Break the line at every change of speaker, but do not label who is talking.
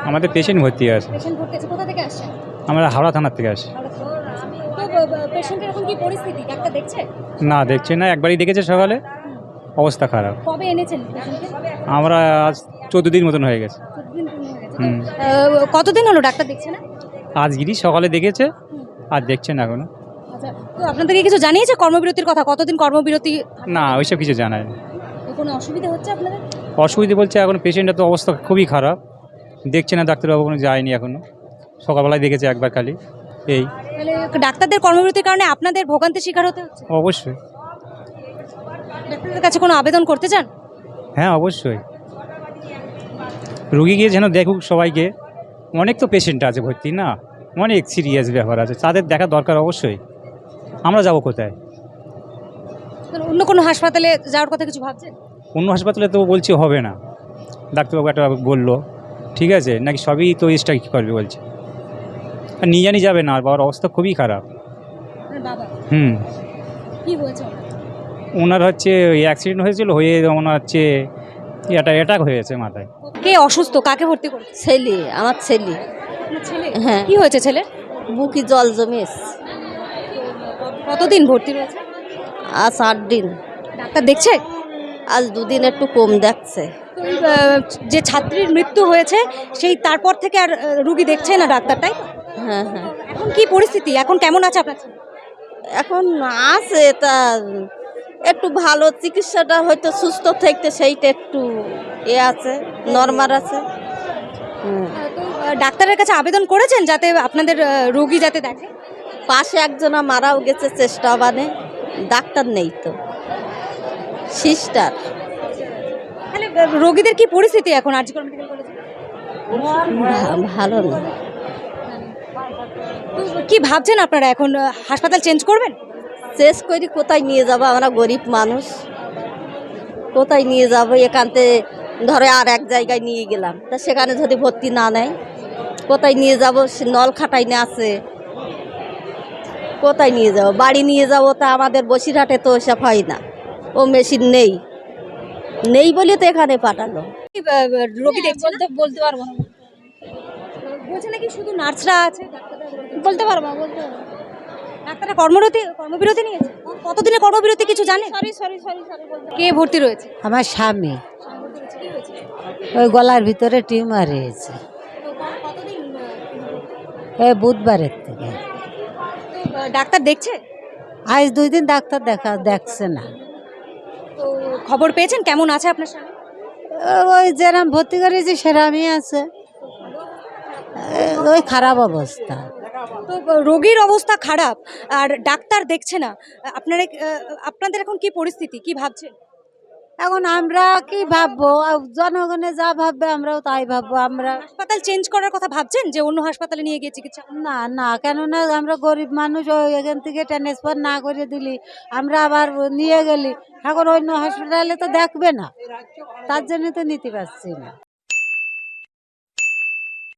আমাদের পেশেন্ট ভর্তি আছে।
পেশেন্ট ভর্তি আছে, কোথা থেকে আসছেন?
আমরা হাওড়া থানার থেকে আসি।
তো পেশেন্টের এখন কি পরিস্থিতি, ডাক্তার দেখছে?
না, দেখছে না, একবারই দেখেছে সকালে, অবস্থা খারাপ।
কবে এনেছেন পেশেন্টকে?
আমরা আজ 14 দিন মতন হয়ে গেছে।
14 দিন হয়ে গেছে।
হুম।
কতদিন হলো ডাক্তার দেখছে না?
আজগিরি সকালে দেখেছে, আর দেখছে না এখনো।
আচ্ছা, তো আপনাদেরকে কিছু জানিয়েছে কর্মবিরতির কথা? কতদিন কর্মবিরতি?
না, ওইসব কিছু জানায় না।
কোনো অসুবিধা হচ্ছে আপনাদের?
অসুবিধে বলছে এখন পেশেন্টের তো অবস্থা খুবই খারাপ, দেখছে না ডাক্তারবাবু, কোনো যায়নি এখনো। সকালবেলায় দেখেছে একবার খালি, এই।
তাহলে ডাক্তারদের কর্মবিরতির কারণে আপনাদের ভোগান্তির শিকার হতে হচ্ছে?
অবশ্যই।
ডাক্তারদের কাছে কোনো আবেদন করতে চান?
হ্যাঁ, অবশ্যই। রুগী গিয়ে যেন দেখুক সবাইকে, অনেক তো পেশেন্ট আছে ভর্তি, না অনেক সিরিয়াস ব্যাপার আছে, তাদের দেখা দরকার অবশ্যই। আমরা যাব কোথায়?
তাহলে অন্য কোনো হাসপাতালে যাওয়ার কথা কিছু ভাবছেন?
অন্য হাসপাতালে তো বলছি হবে না, ডাক্তারবাবু একটা বললো, ঠিক আছে নাকি সবই তো স্ট্রাইক করবে বলছে, আর নিয়ে জানি যাবে না, আর বাবার অবস্থা খুবই খারাপ।
আপনার বাবা
হুম।
কি হয়েছে ওনার?
ওনার হচ্ছে ওই অ্যাক্সিডেন্ট হয়েছিল, হয়ে ওনার হচ্ছে অ্যাটাক হয়েছে মাথায়।
কে অসুস্থ, কাকে ভর্তি করেছে?
ছেলে, আমার ছেলে।
আপনার ছেলে?
হ্যাঁ।
কি হয়েছে ছেলে?
বুকি জল জমে এসছে।
কতদিন ভর্তি রয়েছে?
আজ 8 দিন।
ডাক্তার দেখছে?
আজ 2 দিন একটু কম দেখছে।
তো এই, যে ছাত্রীর মৃত্যু হয়েছে সেই তারপর থেকে আর রুগী দেখছে না ডাক্তার, তাই তো?
হ্যাঁ হ্যাঁ।
এখন কি পরিস্থিতি, এখন কেমন আছে আপনার ছেলে?
এখন আছে তা একটু ভালো, চিকিৎসাটা হয়তো সুস্থ থাকতে সেইটা একটু আছে, নরমাল আছে।
তো ডাক্তারের কাছে আবেদন করেছেন যাতে আপনাদের রোগী যাতে দেখে?
পাশে একজনা মারাও গেছে চেষ্টা, মানে ডাক্তার নেই তো, সিস্টার।
তাহলে রোগীদের কি পরিস্থিতি এখন আরজি কর মেডিকেল কলেজে?
ভালো না।
তো কি ভাবছেন আপনারা এখন, হাসপাতাল চেঞ্জ করবেন?
শেষ করি কোথায় নিয়ে যাব, আমরা গরিব মানুষ, কোথায় নিয়ে যাব? এখানতে ধরে আর এক জায়গায় নিয়ে গেলাম, তা সেখানে যদি ভর্তি না নেয় কোথায় নিয়ে যাব? সে নল খাটাইনে আছে, কোথায় নিয়ে যাব? বাড়ি নিয়ে যাব, তা আমাদের বসিরহাটে তো ওসব হয় না, ও মেশিন নেই, নেই বলে তো এখানে পাঠালো।
কি, রোগী দেখছে না?
বলতে পারবো না,
বলছে নাকি শুধু নার্সরা আছে,
বলতে পারবো না, বলতে পারবো।
ডাক্তাররা কর্মবিরতি নিয়েছে? কতদিনের কর্মবিরতি কিছু জানেন?
Sorry sorry sorry sorry.
কে ভর্তি রয়েছে?
আমার স্বামী
কি হয়েছে?
ওই গলার ভিতরে টিউমার হয়েছে
কতদিন
এই বুধবারের থেকে।
ডাক্তার দেখছে?
আজ 2 দিন ডাক্তার দেখছে না।
তো খবর পেয়েছেন কেমন আছে আপনার স্বামী?
ওই যেরাম ভর্তি করেছি সেরামই আছে, ওই খারাপ অবস্থা।
তো রোগীর অবস্থা খারাপ আর ডাক্তার দেখছে না, আপনাদের এখন কি পরিস্থিতি, কি ভাবছেন?
এখন আমরা কি ভাববো, জনগণে যা ভাববে আমরাও তাই ভাববো। আমরা
হাসপাতাল চেঞ্জ করার কথা ভাবছেন যে অন্য হাসপাতালে নিয়ে গিয়ে চিকিৎসা?
না না, কেননা আমরা গরিব মানুষ, ওই এখান থেকে ট্রান্সফার না করে দিলি আমরা আবার নিয়ে গেলি, এখন অন্য হসপিটালে তো দেখবে না, তার জন্য তো নিতে পারছি না।